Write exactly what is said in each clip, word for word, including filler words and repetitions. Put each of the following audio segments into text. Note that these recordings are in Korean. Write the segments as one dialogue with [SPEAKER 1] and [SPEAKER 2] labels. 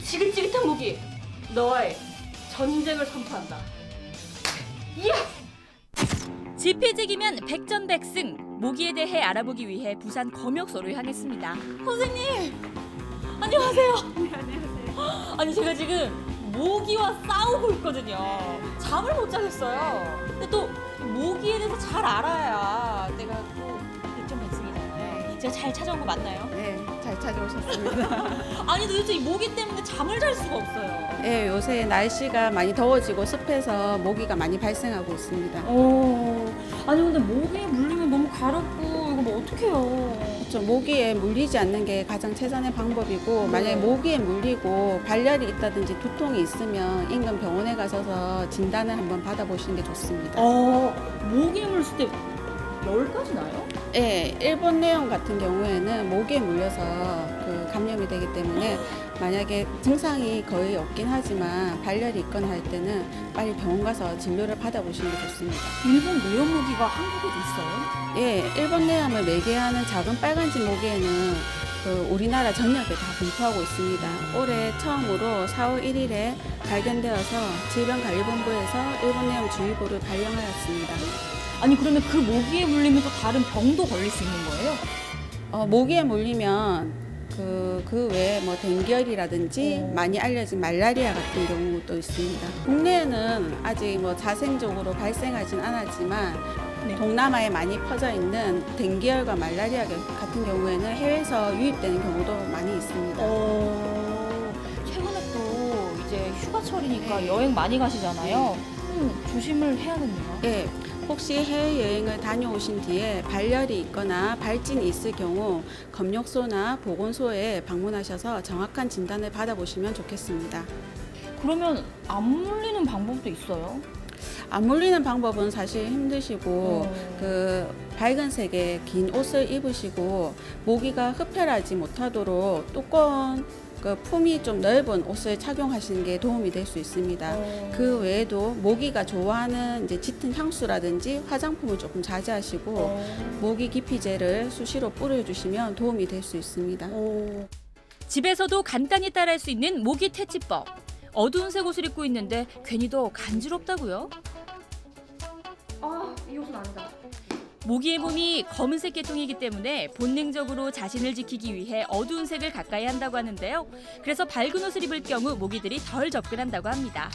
[SPEAKER 1] 지긋지긋한 모기, 너와의 전쟁을 선포한다. 이야! 지피지기면 백전백승. 모기에 대해 알아보기 위해 부산 검역소로 향했습니다. 선생님! 안녕하세요.
[SPEAKER 2] 네, 안녕하세요.
[SPEAKER 1] 아니 제가 지금 모기와 싸우고 있거든요. 잠을 못 자겠어요. 근데 또 모기에 대해서 잘 알아야 내가 또 백전백승이잖아요. 제가 잘 찾아온 거 맞나요?
[SPEAKER 2] 네, 잘 찾아오셨습니다.
[SPEAKER 1] 아니 도대체 이 모기 때문에 잠을 잘 수가 없어요.
[SPEAKER 2] 네, 요새 날씨가 많이 더워지고 습해서 모기가 많이 발생하고 있습니다.
[SPEAKER 1] 오, 아니 근데 모기에 물리면 너무 가렵고 이거 뭐 어떡해요?
[SPEAKER 2] 좀 모기에 물리지 않는 게 가장 최선의 방법이고, 만약에 모기에 물리고 발열이 있다든지 두통이 있으면 인근 병원에 가셔서 진단을 한번 받아보시는 게 좋습니다.
[SPEAKER 1] 어, 모기에 물렸을 때 열까지 나요?
[SPEAKER 2] 네, 일본 내용 같은 경우에는 모기에 물려서 그 감염이 되기 때문에 만약에 증상이 거의 없긴 하지만 발열이 있거나 할 때는 빨리 병원 가서 진료를 받아보시는 게 좋습니다.
[SPEAKER 1] 일본 내염 모기가 한국에도 있어요?
[SPEAKER 2] 예, 일본 내염을 매개하는 작은 빨간집 모기에는 그 우리나라 전역에 다 분포하고 있습니다. 올해 처음으로 사월 일일에 발견되어서 질병관리본부에서 일본 내염 주의보를 발령하였습니다.
[SPEAKER 1] 아니 그러면 그 모기에 물리면 또 다른 병도 걸릴 수 있는 거예요?
[SPEAKER 2] 어, 모기에 물리면 그, 그 외에 뭐 댕기열이라든지
[SPEAKER 1] 오.
[SPEAKER 2] 많이 알려진 말라리아 같은 경우도 있습니다. 국내에는 아직 뭐 자생적으로 발생하진 않았지만
[SPEAKER 1] 네.
[SPEAKER 2] 동남아에 많이 퍼져 있는 댕기열과 말라리아 같은 경우에는 해외에서 유입되는 경우도 많이 있습니다.
[SPEAKER 1] 어, 최근에 또 이제 휴가철이니까
[SPEAKER 2] 네.
[SPEAKER 1] 여행 많이 가시잖아요. 음, 조심을 해야겠네요.
[SPEAKER 2] 예, 혹시 해외여행을 다녀오신 뒤에 발열이 있거나 발진이 있을 경우 검역소나 보건소에 방문하셔서 정확한 진단을 받아보시면 좋겠습니다.
[SPEAKER 1] 그러면 안 물리는 방법도 있어요?
[SPEAKER 2] 안 물리는 방법은 사실 힘드시고
[SPEAKER 1] 어.
[SPEAKER 2] 그 밝은 색의 긴 옷을 입으시고 모기가 흡혈하지 못하도록 두꺼운 그 품이 좀 넓은 옷을 착용하시는 게 도움이 될 수 있습니다.
[SPEAKER 1] 어.
[SPEAKER 2] 그 외에도 모기가 좋아하는 이제 짙은 향수라든지 화장품을 조금 자제하시고
[SPEAKER 1] 어.
[SPEAKER 2] 모기 기피제를 수시로 뿌려주시면 도움이 될 수 있습니다.
[SPEAKER 1] 어. 집에서도 간단히 따라할 수 있는 모기 퇴치법. 어두운 색 옷을 입고 있는데 괜히 더 간지럽다고요? 아, 이 옷은 아니다. 모기의 몸이 검은색 계통이기 때문에 본능적으로 자신을 지키기 위해 어두운 색을 가까이 한다고 하는데요. 그래서 밝은 옷을 입을 경우 모기들이 덜 접근한다고 합니다.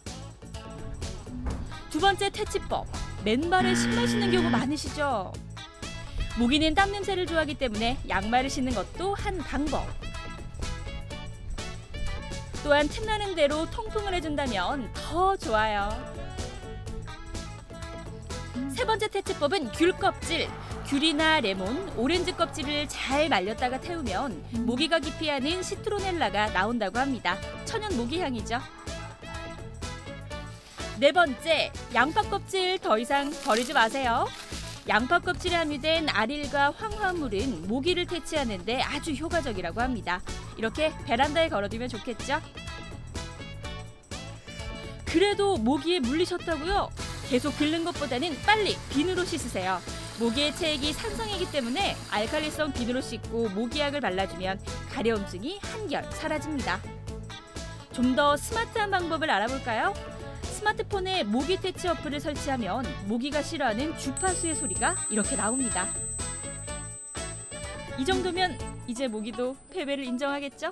[SPEAKER 1] 두 번째 퇴치법. 맨발에 신발 신는 경우 많으시죠? 모기는 땀 냄새를 좋아하기 때문에 양말을 신는 것도 한 방법. 또한 틈나는 대로 통풍을 해준다면 더 좋아요. 세 번째 퇴치법은 귤 껍질. 귤이나 레몬, 오렌지 껍질을 잘 말렸다가 태우면 모기가 기피하는 시트로넬라가 나온다고 합니다. 천연 모기향이죠. 네 번째, 양파 껍질 더 이상 버리지 마세요. 양파 껍질에 함유된 아릴과 황화물은 모기를 퇴치하는 데 아주 효과적이라고 합니다. 이렇게 베란다에 걸어두면 좋겠죠? 그래도 모기에 물리셨다고요? 계속 긁는 것보다는 빨리 비누로 씻으세요. 모기의 체액이 산성이기 때문에 알칼리성 비누로 씻고 모기약을 발라주면 가려움증이 한결 사라집니다. 좀 더 스마트한 방법을 알아볼까요? 스마트폰에 모기 퇴치 어플을 설치하면 모기가 싫어하는 주파수의 소리가 이렇게 나옵니다. 이 정도면 이제 모기도 패배를 인정하겠죠?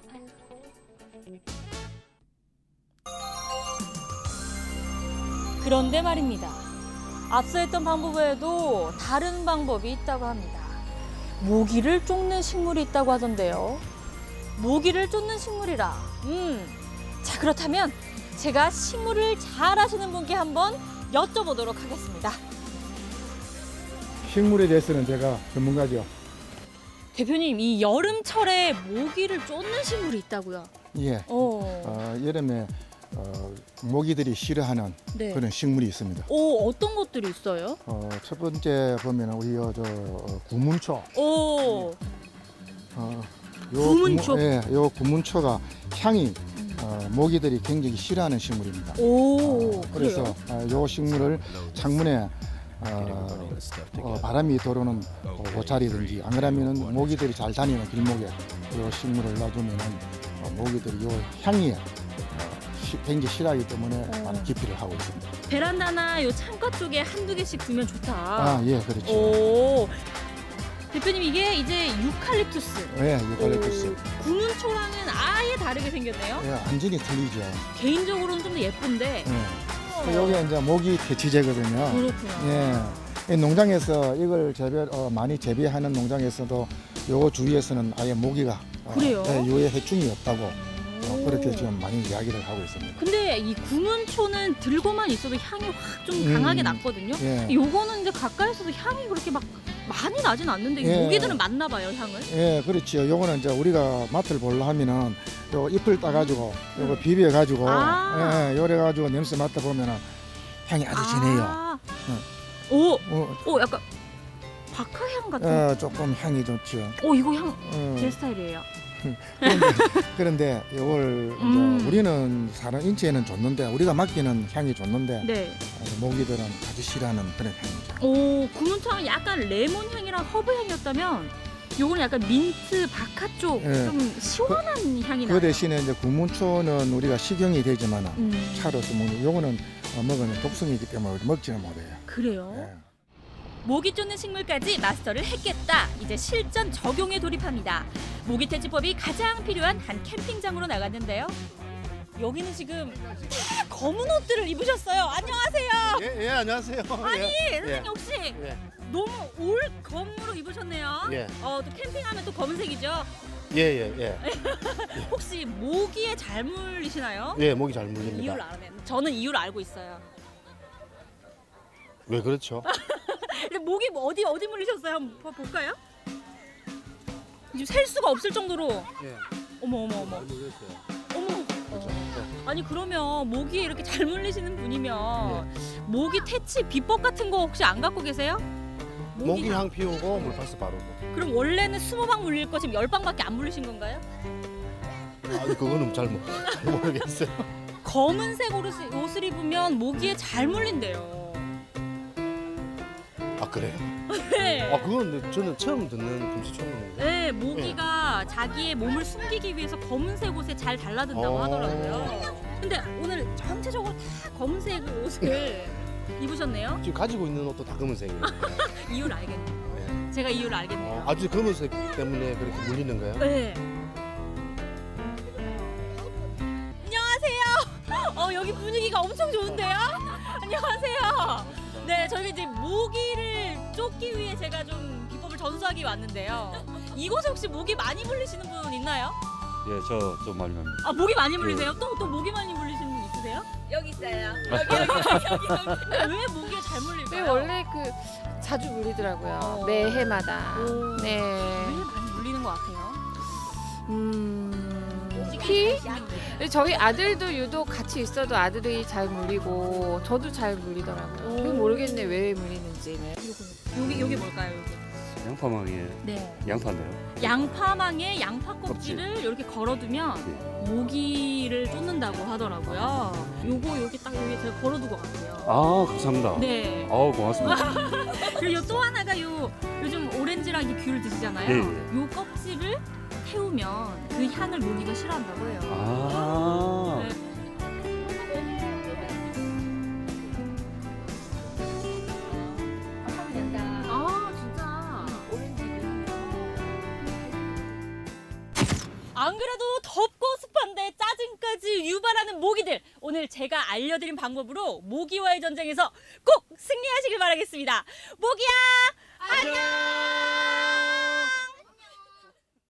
[SPEAKER 1] 그런데 말입니다. 앞서 했던 방법 외에도 다른 방법이 있다고 합니다. 모기를 쫓는 식물이 있다고 하던데요. 모기를 쫓는 식물이라. 음, 자 그렇다면 제가 식물을 잘 아시는 분께 한번 여쭤보도록 하겠습니다.
[SPEAKER 3] 식물에 대해서는 제가 전문가죠.
[SPEAKER 1] 대표님, 이 여름철에 모기를 쫓는 식물이 있다고요?
[SPEAKER 3] 예.
[SPEAKER 1] 어.
[SPEAKER 3] 어, 여름에 어, 모기들이 싫어하는
[SPEAKER 1] 네.
[SPEAKER 3] 그런 식물이 있습니다.
[SPEAKER 1] 오, 어떤 것들이 있어요?
[SPEAKER 3] 어, 첫 번째 보면 우리 저 어, 구문초.
[SPEAKER 1] 오.
[SPEAKER 3] 어,
[SPEAKER 1] 구문초?
[SPEAKER 3] 구문, 예, 요 구문초가 향이 어, 모기들이 굉장히 싫어하는 식물입니다.
[SPEAKER 1] 오.
[SPEAKER 3] 어, 그래서 어, 요 식물을 창문에 어, 어, 바람이 들어오는 어, 옷자리든지 안 그러면은 모기들이 잘 다니는 길목에 이 식물을 놔두면 모기들이 요 향이 어, 시, 굉장히 싫어하기 때문에
[SPEAKER 1] 어.
[SPEAKER 3] 많은 기피를 하고 있습니다.
[SPEAKER 1] 베란다나 요 창가 쪽에 한두 개씩 두면 좋다.
[SPEAKER 3] 아, 예, 그렇죠.
[SPEAKER 1] 오. 대표님 이게 이제 유칼립투스.
[SPEAKER 3] 예, 유칼립투스.
[SPEAKER 1] 오, 구문초랑은 아예 다르게 생겼네요.
[SPEAKER 3] 예, 완전히 틀리죠.
[SPEAKER 1] 개인적으로는 좀 더 예쁜데.
[SPEAKER 3] 예. 여기 이제 모기 퇴치제거든요.
[SPEAKER 1] 그렇구나.
[SPEAKER 3] 예. 이 농장에서 이걸 재배 어, 많이 재배하는 농장에서도 요거 주위에서는 아예 모기가 어,
[SPEAKER 1] 그래요?
[SPEAKER 3] 예, 요에 해충이 없다고 어, 그렇게 지금 많이 이야기를 하고 있습니다.
[SPEAKER 1] 근데 이 구문초는 들고만 있어도 향이 확 좀
[SPEAKER 3] 음.
[SPEAKER 1] 강하게 났거든요.
[SPEAKER 3] 예.
[SPEAKER 1] 요거는 이제 가까이서도 향이 그렇게 막 많이 나진 않는데 이
[SPEAKER 3] 예.
[SPEAKER 1] 모기들은 맡나 봐요, 향을.
[SPEAKER 3] 예, 그렇죠. 요거는 이제 우리가 맛을 보려 하면은 요 잎을 따가지고 요거 비벼가지고
[SPEAKER 1] 아.
[SPEAKER 3] 예, 요래 가지고 냄새 맡아 보면은 향이 아주 진해요.
[SPEAKER 1] 아.
[SPEAKER 3] 응.
[SPEAKER 1] 오,
[SPEAKER 3] 어,
[SPEAKER 1] 오 약간 박하향 같은.
[SPEAKER 3] 어, 조금 향이 좋죠.
[SPEAKER 1] 오 이거 향 제
[SPEAKER 3] 어,
[SPEAKER 1] 스타일이에요.
[SPEAKER 3] 그런데, 그런데 이걸
[SPEAKER 1] 음.
[SPEAKER 3] 이제 우리는 사람 인체에는 좋는데 우리가 맡기는 향이 좋는데
[SPEAKER 1] 네.
[SPEAKER 3] 어, 모기들은 아주 싫어하는 그런 향이죠.
[SPEAKER 1] 오 구문초는 약간 레몬 향이랑 허브 향이었다면 요거는 약간 민트 바카 쪽
[SPEAKER 3] 예.
[SPEAKER 1] 좀 시원한 향이 나요.
[SPEAKER 3] 그 대신에 이제 구문초는 우리가 식용이 되지만
[SPEAKER 1] 음.
[SPEAKER 3] 차로서 먹는 요거는 어, 먹으면 독성이기 때문에 우리 먹지는 못해요.
[SPEAKER 1] 그래요?
[SPEAKER 3] 예.
[SPEAKER 1] 모기 쫓는 식물까지 마스터를 했겠다. 이제 실전 적용에 돌입합니다. 모기 퇴치법이 가장 필요한 한 캠핑장으로 나갔는데요. 여기는 지금 다 검은 옷들을 입으셨어요. 안녕하세요.
[SPEAKER 4] 예, 예, 안녕하세요.
[SPEAKER 1] 아니,
[SPEAKER 4] 예,
[SPEAKER 1] 선생님 혹시
[SPEAKER 4] 예,
[SPEAKER 1] 너무 올 검으로 입으셨네요.
[SPEAKER 4] 예,
[SPEAKER 1] 어, 또 캠핑하면 또 검은색이죠.
[SPEAKER 4] 예, 예, 예,
[SPEAKER 1] 혹시 모기에 잘 물리시나요?
[SPEAKER 4] 예, 목이 잘
[SPEAKER 1] 이유를
[SPEAKER 4] 물립니다.
[SPEAKER 1] 알아요. 저는 이유를 알고 있어요.
[SPEAKER 4] 왜 그렇죠?
[SPEAKER 1] 근데 모기 뭐 어디 어디 물리셨어요? 한번 봐- 볼까요? 지금 셀 수가 없을 정도로.
[SPEAKER 4] 예,
[SPEAKER 1] 어머 어머 어머
[SPEAKER 4] 물렸어요.
[SPEAKER 1] 어머. 아니 그러면 모기에 이렇게 잘 물리시는 분이면 모기 퇴치 비법 같은 거 혹시 안 갖고 계세요?
[SPEAKER 4] 모기 향 피우고 물파스 바르고.
[SPEAKER 1] 그럼 원래는 스무 방 물릴 거 지금 열 방밖에 안 물리신 건가요?
[SPEAKER 4] 아니 그거는 잘, 모, 잘 모르겠어요.
[SPEAKER 1] 검은색 옷을, 옷을 입으면 모기에 잘 물린대요.
[SPEAKER 4] 아 그래요?
[SPEAKER 1] 네.
[SPEAKER 4] 아 그건 근데 저는 처음 듣는 금시초문인데.
[SPEAKER 1] 네, 모기가 자기의 몸을 숨기기 위해서 검은색 옷에 잘 달라든다고
[SPEAKER 4] 어.
[SPEAKER 1] 하더라고요. 근데 오늘 전체적으로 다 검은색 옷을 입으셨네요.
[SPEAKER 4] 지금 가지고 있는 옷도 다 검은색이에요.
[SPEAKER 1] 이유를 알겠네요.
[SPEAKER 4] 네.
[SPEAKER 1] 제가 이유를 알겠네요.
[SPEAKER 4] 어, 아주 검은색 때문에 그렇게 물리는 거예요?
[SPEAKER 1] 네. 안녕하세요. 어, 여기 분위기가 엄청 좋은데요? 안녕하세요. 네, 저희 이제 모기를 쫓기 위해 제가 좀 비법을 전수하기 왔는데요. 이곳에 혹시 모기 많이 물리시는 분 있나요?
[SPEAKER 5] 예, 저 좀 많이 납니다.
[SPEAKER 1] 아, 모기 많이 물리세요? 또, 또 모기 많이 물리시는 분 있으세요?
[SPEAKER 6] 여기 있어요.
[SPEAKER 1] 여기, 여기, 여기, 여기. 왜 모기에 잘
[SPEAKER 6] 네,
[SPEAKER 1] 물릴까요?
[SPEAKER 6] 원래 그 자주 물리더라고요.
[SPEAKER 1] 어.
[SPEAKER 6] 매해마다.
[SPEAKER 1] 오.
[SPEAKER 6] 네.
[SPEAKER 1] 왜 많이 물리는 것 같아요?
[SPEAKER 6] 음. 피? 저희 아들도 유독 같이 있어도 아들이 잘 물리고 저도 잘 물리더라고요.
[SPEAKER 1] 오.
[SPEAKER 6] 그게 모르겠네 왜 물리는지는.
[SPEAKER 1] 여기, 여기 뭘까요, 여기?
[SPEAKER 5] 양파망에
[SPEAKER 1] 네.
[SPEAKER 5] 양파인데요.
[SPEAKER 1] 양파망에 양파 껍질을 이렇게 걸어두면
[SPEAKER 5] 네.
[SPEAKER 1] 모기를 쫓는다고 하더라고요. 요거 여기 딱 여기 제가 걸어두고 갈게요.
[SPEAKER 5] 아, 감사합니다.
[SPEAKER 1] 네.
[SPEAKER 5] 아우, 고맙습니다.
[SPEAKER 1] 그리고 또 하나가 요 요즘 오렌지랑 이 귤을 드시잖아요.
[SPEAKER 5] 예,
[SPEAKER 1] 요 껍질을 태우면 그 향을 모기가 싫어한다고 해요.
[SPEAKER 5] 아,
[SPEAKER 1] 네. 아 진짜. 안 그래도 덥고 습한데 짜증까지 유발하는 모기들. 오늘 제가 알려드린 방법으로 모기와의 전쟁에서 꼭 승리하시길 바라겠습니다. 모기야 안녕.